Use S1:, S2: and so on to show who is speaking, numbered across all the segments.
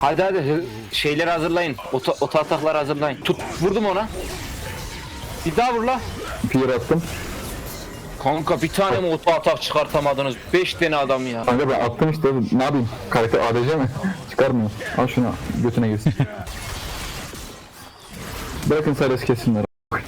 S1: Hadi şeyleri hazırlayın. Ota atakları hazırlayın. Tut, vurdum ona. Bir daha vur la.
S2: Fear attım.
S1: Kanka bir tane mi ota atak çıkartamadınız? 5 tane adam ya.
S2: Kanka ben attım işte, ne yapayım? Karakter ADC mi? Çıkarmıyor. Al şunu, götüne girsin. Bırakın Sylas kessinler.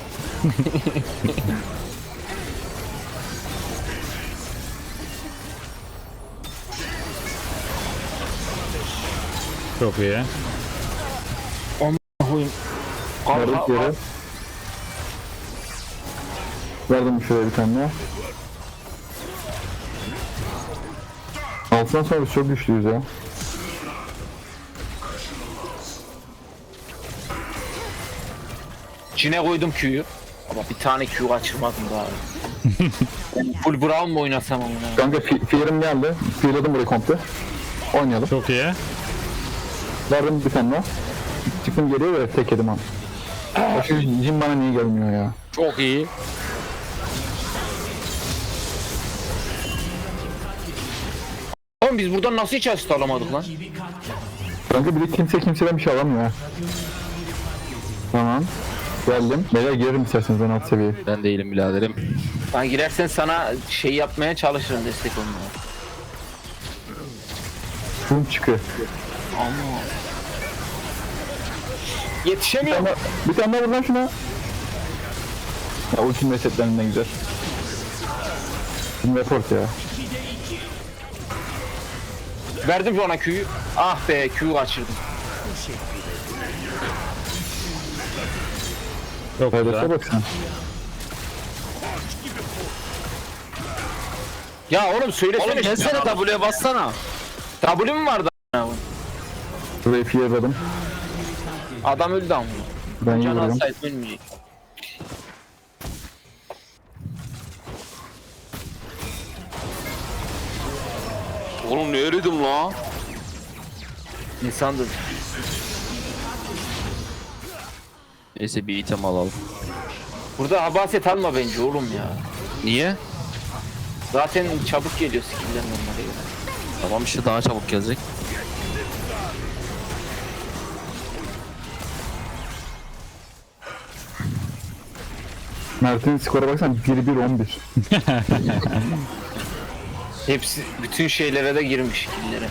S3: Çok iyi.
S1: Koyayım.
S2: Verdik
S1: Kanka,
S2: yere. Verdim şöyle bir tane daha. Altından sonra biz çok güçlüyüz ya.
S1: içine koydum Q'yu. Ama bir tane Q kaçırmadım daha. Full Brown mu oynasam onu?
S2: Kanka Fear'ım geldi. Fear'ladım burayı komple. Oynayalım.
S3: Çok iyi.
S2: Verdim bir tane daha. Çıktım geriye ve tek yedim abi. Şu Jin bana niye gelmiyor ya?
S1: Çok iyi. Oğlum biz buradan nasıl hiç asist alamadık lan?
S2: Kanka bir de kimseden bir şey alamıyor ha. Tamam. Geldim. Beyler girerim isterseniz ben alt seviyeye.
S4: Ben değilim biraderim.
S1: Ben girersen sana şey yapmaya çalışırım, destek olmaya.
S2: Boom çıkıyor.
S1: Ama yetişemiyorum.
S2: Bir tane daha vur lan şuna. Ya ultim resetlerinden güzel. Şimdi report ya.
S1: Verdim ona Q'yu. Ah be, Q'yu kaçırdım.
S3: Çok
S2: Faydasına
S3: güzel.
S2: bak sen.
S1: Ya oğlum söylesene.
S4: Oğlum gelsene W'ye bassana.
S1: W mu vardı?
S2: Burayı fearladım.
S1: Adam öldü ama.
S2: Ben iyi
S1: Can
S2: vuruyorum.
S1: alsaydı ölmeyecek.
S4: Oğlum ne eridim la?
S1: İnsandır.
S4: Neyse bir item alalım.
S1: Burada abaset alma bence oğlum ya.
S4: Niye?
S1: Zaten çabuk geliyor skill'den onlara göre.
S4: Tamam işte daha çabuk gelecek.
S2: Mert'in skora baksana 1-1-11.
S1: Hepsi bütün şeylere de girmiş skill'lere.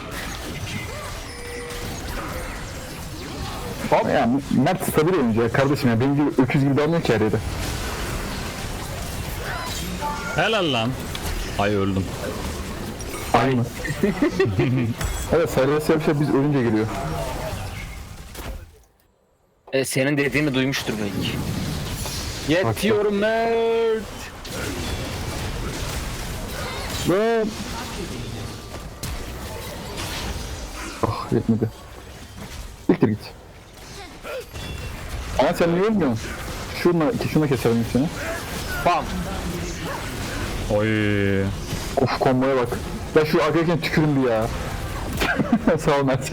S1: Hop.
S2: Ya Mert stabil oyuncu ya kardeşim ya. Benim gibi öküz gibi dalmıyor ki her yere.
S3: Helal lan. Ay öldüm.
S2: Aynı. Evet Sylas bir şey biz ölünce geliyor.
S1: Senin dediğini duymuştur belki. Yetiyorum Mert.
S2: Lan. Ah yetmedi. Siktir git. Ama sen niye ölmüyorsun? Şuna keselim seni.
S1: Bam.
S3: Oy.
S2: Of komboya bak. Ya şu arkadakine tükürün bir ya. Sağ ol Mert.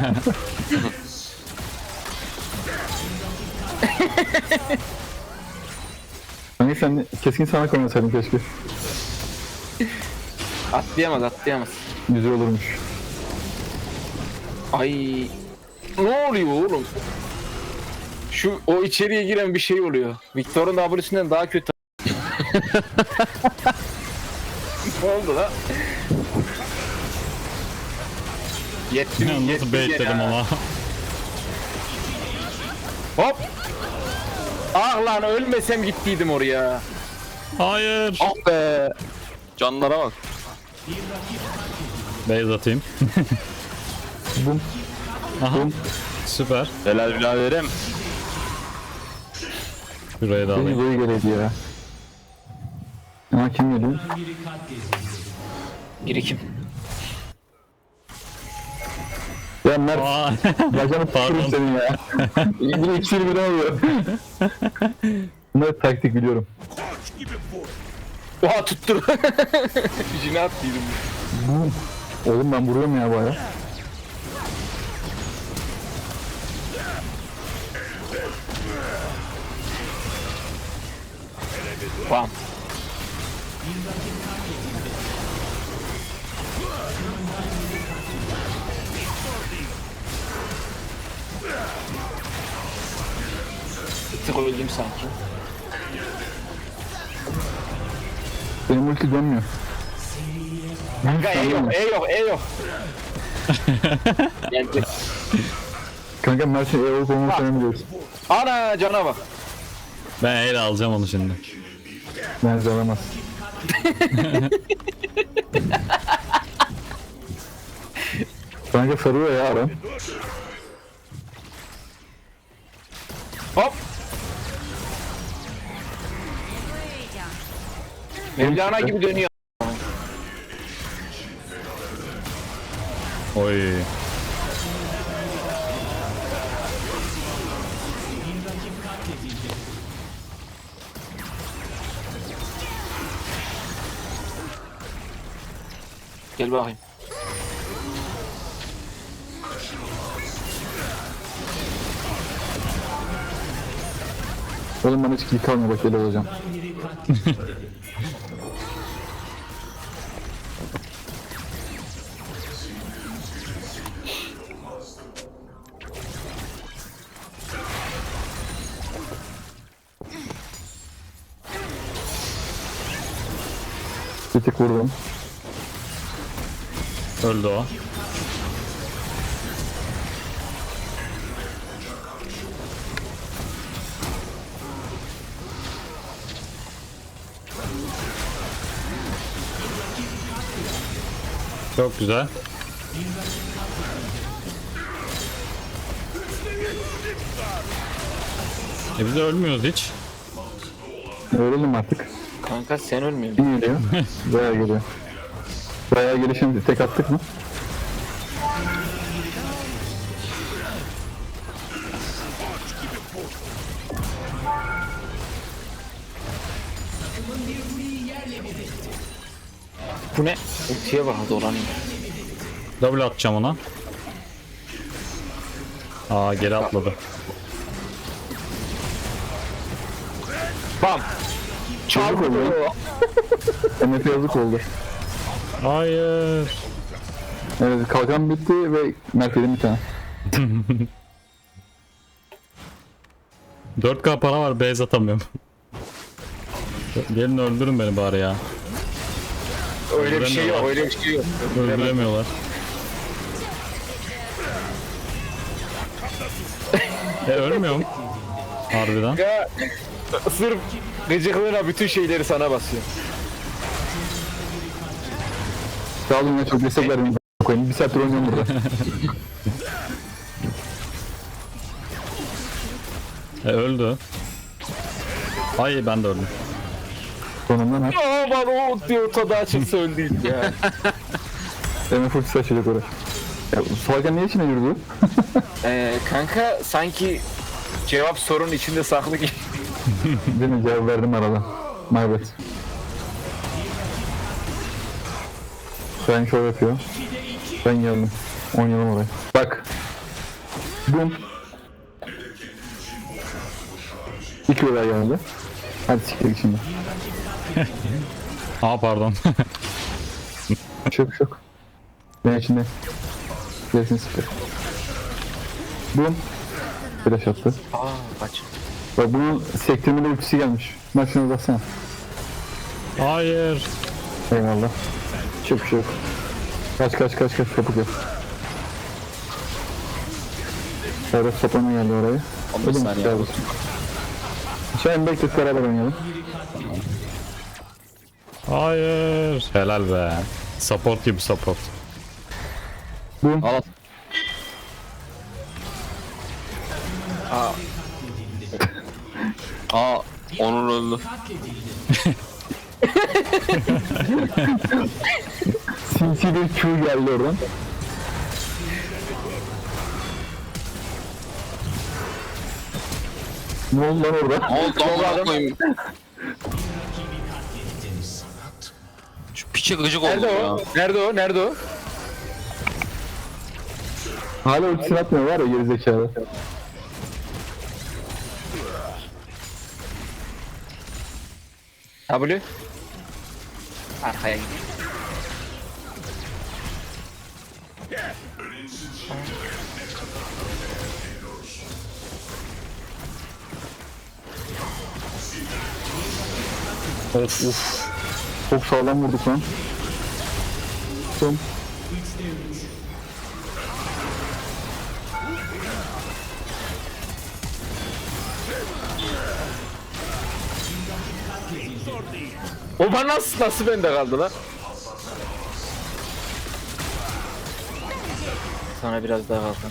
S2: Hani sen keskin sana koymasaydın keşke.
S1: Atlayamaz.
S2: Güzel olurmuş.
S1: Ay. Ne oluyor oğlum? O içeriye giren bir şey oluyor. Victor'un W'sinden daha kötü. Ne oldu lan? Yettim.
S3: Nasıl baitledim ama.
S1: Hop. Ah lan, ölmesem gittiydim oraya.
S3: Hayır.
S1: Ah be.
S4: Canlara bak.
S3: Base atayım.
S2: Bum.
S3: Aha. Süper.
S4: Helal biraderim.
S3: Şurayı da
S2: Beni
S3: alayım.
S2: böyle geleydi ya. Ama kim geliyor?
S1: Birikim.
S2: Ya Mert.
S3: Aa.
S2: Bacağını
S3: Pardon.
S2: tuturum senin ya. Yine ikisini bir oluyor. Bunları taktik biliyorum.
S1: Oha tuttur. Jine attıydım.
S2: Bum. Oğlum ben vuruyorum ya baya.
S1: Bam. tık öldüm sanki.
S2: Benim ulti dönmüyor.
S1: Kanka E yok, E yok, E yok. Geldi.
S2: Kanka Mert'in olup olmaması önemli değil.
S1: Ana cana bak.
S3: Ben el alacağım onu şimdi.
S2: Mert'i alamaz. Kanka sarıyor ya Aram.
S1: Hop. Mevlana gibi dönüyor.
S3: Oy.
S1: Gel bakayım.
S2: Oğlum bana hiç kill kalmıyor bak öyle olacağım. Bir tek vurdum.
S3: Öldü o. Çok güzel. Biz de ölmüyoruz hiç.
S2: Öğrenelim artık.
S1: Kanka sen ölmüyorsun.
S2: Kim geliyor? Bayağı geliyor. Bayağı gelişim tek attık mı?
S1: Bu ne? Ultiye bak dolanıyor.
S3: Double atacağım ona. Aa geri atladı.
S1: Bam.
S2: Yazık oldu. MF yazık oldu.
S3: Hayır.
S2: Evet kalkan bitti ve Mert yedim bir tane.
S3: 4K para var, base atamıyorum. Gelin öldürün beni bari ya.
S1: Öyle bir şey yok, öyle bir şey yok.
S3: Öldüremiyorlar. Ölmüyorum. Harbiden.
S1: Ya sırf gıcıklığına bütün şeyleri sana basıyor.
S2: Sağ olun ya çok destek verdim. Koyayım. Bir saattir oynuyorum burada.
S3: Öldü. Ay ben de öldüm.
S2: Sonundan ha.
S1: Aa bana o diyor tadı açılsa öldüydü ya.
S2: MF ultisi açacak oraya. Ya Salkan niye içine yürüdü?
S1: Kanka sanki cevap sorunun içinde saklı gibi.
S2: Değil mi? Cevap verdim arada. My bad. Ben şov yapıyor. Ben geldim. Oynayalım oraya. Bak. Bum. 2 olay geldi. Hadi siktir git şimdi.
S3: Aa pardon.
S2: Çok. Ben içinde. Gerisini siktir. Bum. Flash attı.
S1: Aa kaç.
S2: Bak bunun sektirmeli ultisi gelmiş. Maçına baksana.
S3: Hayır.
S2: Eyvallah. Çok. Kaç kapı yap. Servet soplama geldi oraya.
S4: 15 saniye.
S2: Sen beklet beraber oynayalım.
S3: Hayır. Helal be. Support gibi support.
S2: Bum.
S4: Al. Aa, Onur öldü.
S2: Sinsi bir Q geldi oradan. Ne oldu lan orada?
S4: Ne oldu amına koyayım? Şu piçe gıcık oldu
S1: Nerede
S4: ya.
S1: o? Nerede o?
S2: Hala ultisini atmıyor var ya gerizekalı.
S1: W. Arkaya git.
S2: Of. Çok sağlam vurduk lan. Son.
S1: O bana nasıl bende kaldı lan? Sana biraz daha kaldı.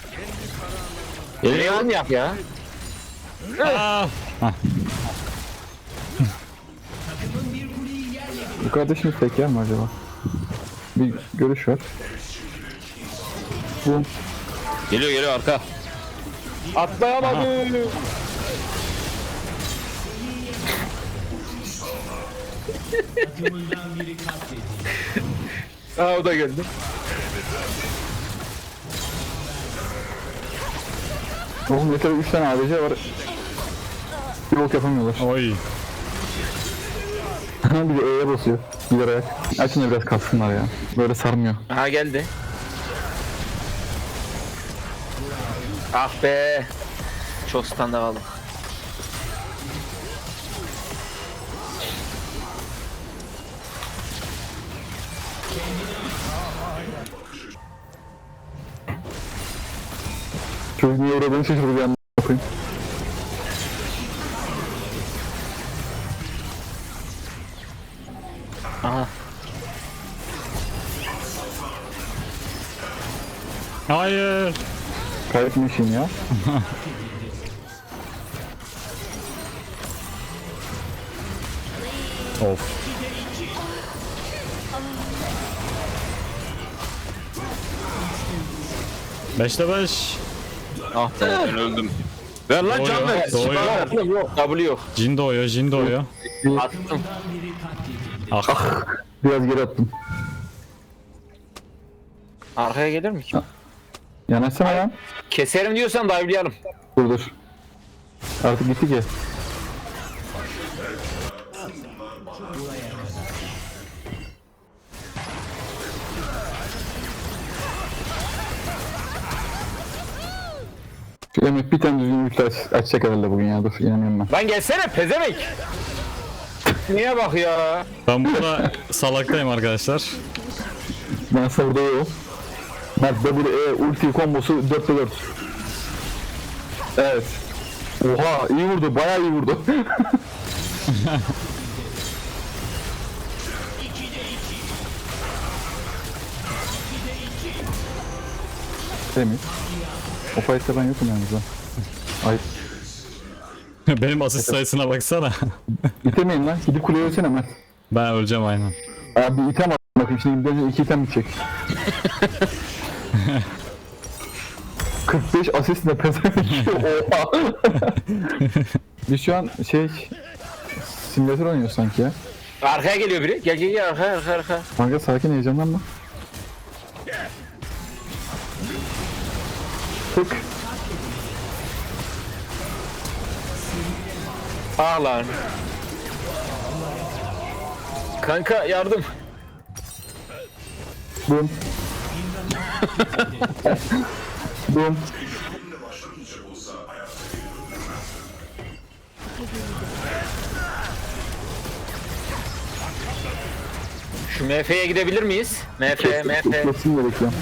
S1: Leon yap ya.
S3: Aa,
S2: Bu kardeşimiz tek yer mi acaba? Bir görüş ver. Bu.
S4: Geliyor arka.
S1: Atlayamadı. Aa o da geldi.
S2: Oğlum yeter 3 tane ABC var. Bir bok yapamıyorlar.
S3: oy.
S2: Bir de E'ye basıyor. Bir ayak. Açın da biraz kalsınlar ya. Böyle sarmıyor.
S1: Aha geldi. Ah be. Çok standa kaldım.
S2: Çocuk niye uğradığını şaşırdı bir anda yapayım.
S1: Aha.
S3: Hayır.
S2: Kaybetmişim ya.
S3: Of. Beşte 5.
S4: Ah be ben öldüm.
S1: Ver lan
S3: Doğuyor,
S1: can ver.
S3: doğuyor.
S1: Yok W yok.
S3: Jin doğuyor, Jin doğuyor.
S1: Attım.
S3: Ah.
S2: Biraz geri attım.
S1: Arkaya gelir mi ki?
S2: Yanaşsana lan.
S1: Keserim diyorsan dive'layalım.
S2: Dur. Artık gitti ki. Şu Emre bir tane düzgün ulti açacak herhalde bugün ya. Dur inanıyorum ben.
S1: Lan gelsene pezevenk. Niye bak ya?
S3: Ben burada salaktayım arkadaşlar.
S2: Ben savurda yok. Mert W ulti kombosu 4'te 4. Evet. Oha iyi vurdu bayağı iyi vurdu. Temiz. O fight'ta ben yokum yalnız ha. Ay.
S3: Benim asist sayısına baksana.
S2: İtemeyin lan. Gidip kuleye ölsene Mert.
S3: Ben öleceğim aynen.
S2: Abi item at bakayım şimdi gidince 2 item bitecek. 45 asist ne pezevenk. Oha. Biz şu an simülatör oynuyoruz sanki ya.
S1: Arkaya geliyor biri. Gel gel gel arka.
S2: Kanka sakin heyecanlanma. Tık.
S1: Ah lan. Kanka yardım.
S2: Bum. Bum.
S1: Şu MF'ye gidebilir miyiz? MF.
S2: Kesin de bekliyorum.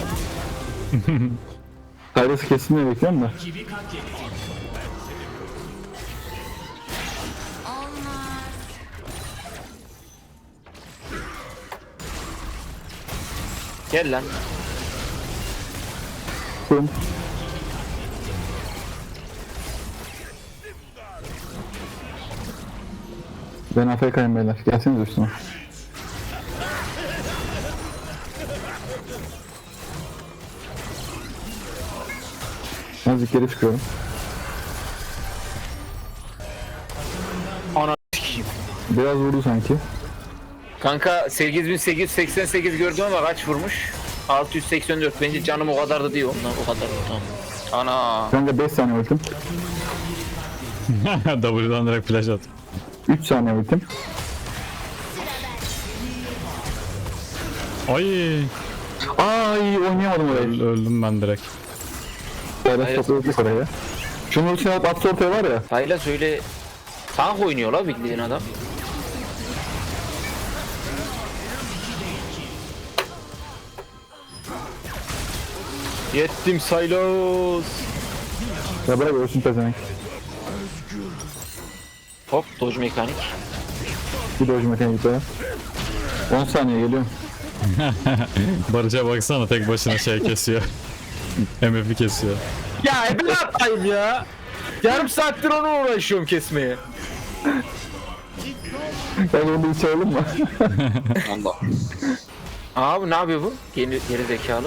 S2: Kayrası kesin de bekliyorum da.
S1: Gel lan.
S2: Bum. Ben AFK'yim beyler. Gelseniz üstüme. Azıcık geri çıkıyorum.
S1: Ana s**eyim.
S2: Biraz vurdu sanki.
S1: Kanka 8888 gördüm ama kaç vurmuş? 684. Bence canım o kadar da değil ondan o kadar. Tamam. Ana.
S2: Kanka 5 saniye ultim.
S3: W'dan direkt flash at.
S2: 3 saniye ultim.
S3: Ay.
S2: Ay oynayamadım orayı.
S3: Öldüm ben direkt.
S2: Böyle topladık oraya. Şunun ultisini alıp atsa ortaya var ya.
S1: Sayla söyle. Tank oynuyor la bildiğin adam. Yettim Saylos.
S2: Ya bırak ölsün pezevenk.
S1: Hop dodge mekanik.
S2: Bir doji mekaniği gitti. 10 saniye geliyorum.
S3: Barış'a baksana tek başına şey kesiyor. MF'i kesiyor.
S1: Ya ben atayım ya. Yarım saattir onu uğraşıyorum kesmeye.
S2: Ben onu bir çağıralım mı?
S4: Allah.
S1: Abi ne yapıyor bu? Geri zekalı.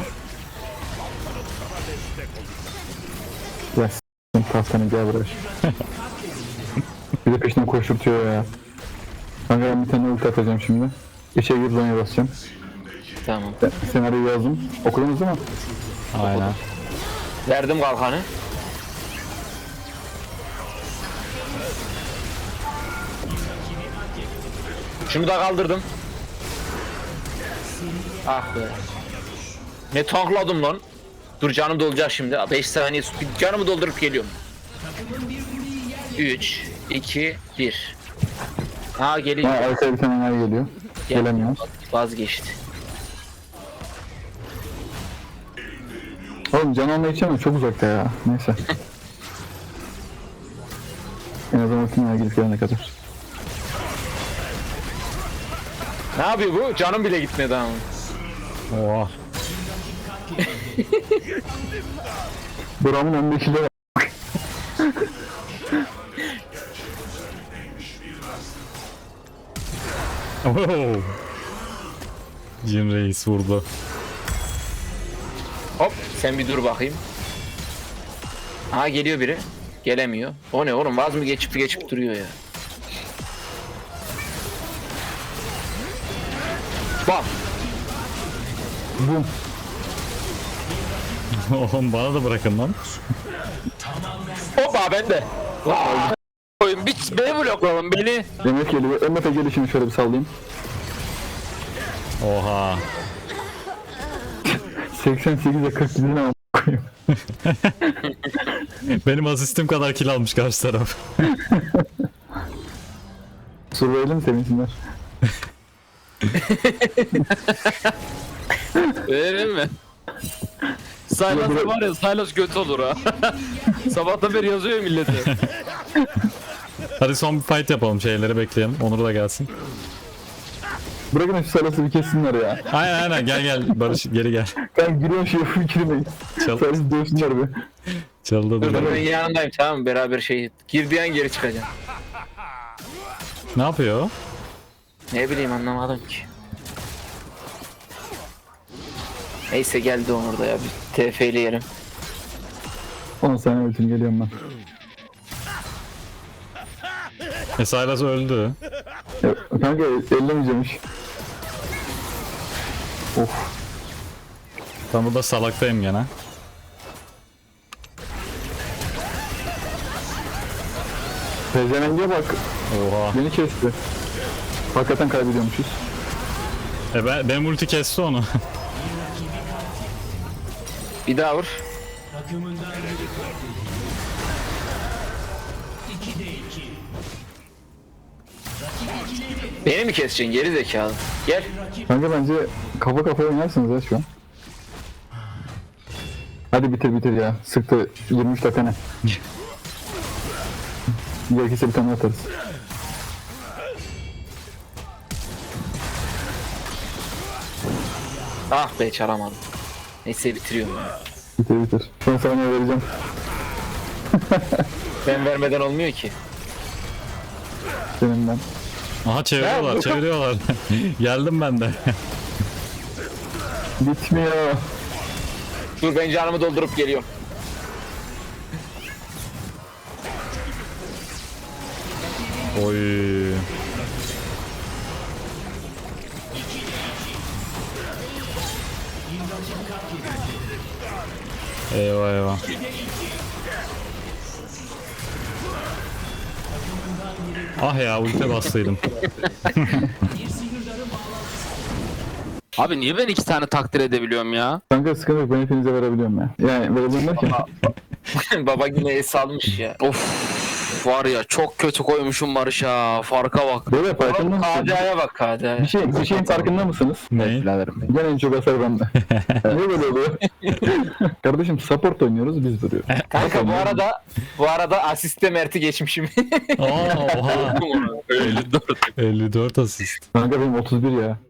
S2: Ya s***** tastanı gel buraya. Bir de peşinden koşturtuyor ya. Kanka ben bir tane ulti atacağım şimdi. İçe girip zonya basacağım.
S1: Tamam.
S2: Ben senaryoyu yazdım. Okudunuz değil mi?
S3: Aynen.
S1: Verdim kalkanı. Şunu da kaldırdım. Ah be. Ne tankladım lan. Dur canım dolacak şimdi. 5 saniye canımı doldurup geliyorum. 3, 2, 1. Ha geliyor.
S2: Ha arkaya bir tane enayi geliyor. Gelemiyor.
S1: Vazgeçti.
S2: Oğlum can almayı içemem çok uzakta ya. Neyse. En azından ultimaya gidip gelene kadar.
S1: Ne yapıyor bu? Canım bile gitmedi ama.
S3: Oha.
S2: Buramın 15 ile var.
S3: Oh. Jin Reis vurdu.
S1: Hop sen bir dur bakayım. Aha geliyor biri. Gelemiyor. O ne oğlum vaz mı geçip duruyor ya. Bam.
S2: Bum.
S3: Oğlum bana da bırakın lan.
S1: Hoppa ben de. Oyun beni bloklayalım beni.
S2: MF geliyor. MF'e gelişini şöyle bir sallayayım.
S3: Oha.
S2: 88'e 40 gidin ama koyayım.
S3: Benim asistim kadar kill almış karşı taraf.
S2: Survival'im sevinsinler.
S5: Öyle mi? Silas var ya, Silas göt olur ha. Sabahtan beri yazıyor millete.
S3: Hadi son bir fight yapalım, şeyleri bekleyelim. Onur da gelsin.
S2: Bırakın şu sarısı bir kessinler ya.
S3: Aynen gel Barış geri gel.
S2: Ben giriyorum şey fikirmeyin.
S3: Çal
S2: Sarısı dövsünler be.
S3: çaldı
S1: Dur
S3: dur.
S1: ben yanındayım tamam mı? Beraber şey girdiği an geri çıkacağım.
S3: Ne yapıyor o?
S1: Ne bileyim anlamadım ki. Neyse geldi Onur da ya bir TF'leyelim.
S2: 10 saniye ultim geliyorum ben.
S3: Silas öldü.
S2: Ya, kanka ellemeyeceğim hiç. Of.
S3: Ben burada salaktayım gene.
S2: Pezevengiye bak.
S3: Oha.
S2: Beni kesti. Hakikaten kaybediyormuşuz.
S3: Benim ulti kesti onu.
S1: Bir daha vur. Beni mi keseceksin geri zekalı? Gel.
S2: Kanka bence kafa kafaya oynarsınız ya şu an. Hadi bitir ya. Sıktı 23 dakika ne? Gerekirse bir tane atarız.
S1: Ah be çalamadım. Neyse bitiriyorum ya.
S2: Bitir. Son saniye vereceğim.
S1: Ben vermeden olmuyor ki.
S2: Senin ben.
S3: Aha çeviriyorlar. Geldim ben de.
S2: Bitmiyor.
S1: Dur ben canımı doldurup geliyorum.
S3: Oy. Eyvah. Ah ya ulti bastıydım.
S5: Abi niye ben 2 tane takdir edebiliyorum ya?
S2: Kanka sıkıntı yok ben hepinize verebiliyorum ya. Yani verebiliyorum derken.
S1: Baba yine es almış ya. Of.
S5: Var ya çok kötü koymuşum Barış'a. Farka bak.
S2: Böyle farkında mısınız?
S1: KDA'ya bak KDA'ya.
S2: Bir şeyin farkında mısınız?
S3: Ne?
S2: Gene en çok hasar bende. Niye böyle oluyor? Kardeşim support oynuyoruz biz duruyor.
S1: Kanka bu arada asiste Mert'i geçmişim.
S3: Aa, oha.
S5: 54.
S3: 54 asist.
S2: Kanka benim 31 ya.